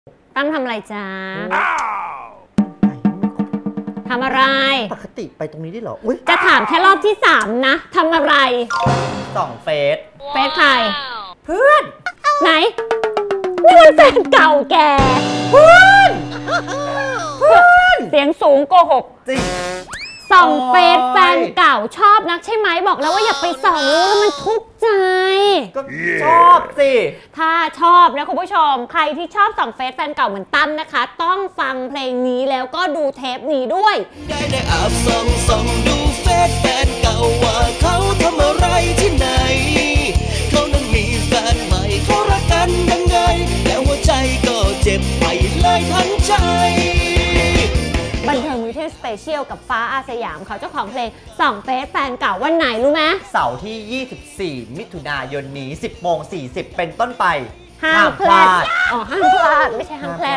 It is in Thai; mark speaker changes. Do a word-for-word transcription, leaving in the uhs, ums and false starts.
Speaker 1: ตั้มทำอะไรจ้าทำอะไร
Speaker 2: ปกติไปตรงนี้ได้เหรออุ๊ย
Speaker 1: จะถามแค่รอบที่สามนะทำอะไร
Speaker 2: ส่องเฟซ
Speaker 1: เฟซใคร
Speaker 2: เพื่อน
Speaker 1: ไหนนี่มันแฟนเก่าแก
Speaker 2: เพื่อนเพื่อน
Speaker 1: เสียงสูงโกหก
Speaker 2: จริง
Speaker 1: ส่องเฟซแฟนเก่าชอบนักใช่ไหมบอกแล้วว่าอย่าไปส่องรู้แล้วมันทุกข์ใจ
Speaker 2: ก็ชอบสิ
Speaker 1: ถ้าชอบนะคุณผู้ชมใครที่ชอบส่องเฟซแฟนเก่าเหมือนตั้มนะคะต้องฟังเพลงนี้แล้วก็ดูเทปนี้ด้วย
Speaker 3: ได้ได้แอบส่องส่องดูเฟซแฟนเก่าว่าเขาทำอะไรที่ไหนเขานั้นมีแฟนใหม่เขารักกันยังไงแต่หัวใจก็เจ็บไปเลยทั้งใจ
Speaker 1: บันเทิงวิทยุสเปเชียลกับฟ้าอาสยามเขาเจ้าของเพลงส่องเฟซแฟนเก่าวันไหนรู้ไหม
Speaker 2: เสาร์ที่ยี่สิบสี่มิถุนายนนี้ สิบโมงสี่สิบเป็นต้นไป
Speaker 1: ห้ามพลาดอ๋อห้ามพลาดไม่ใช่ห้ามแพล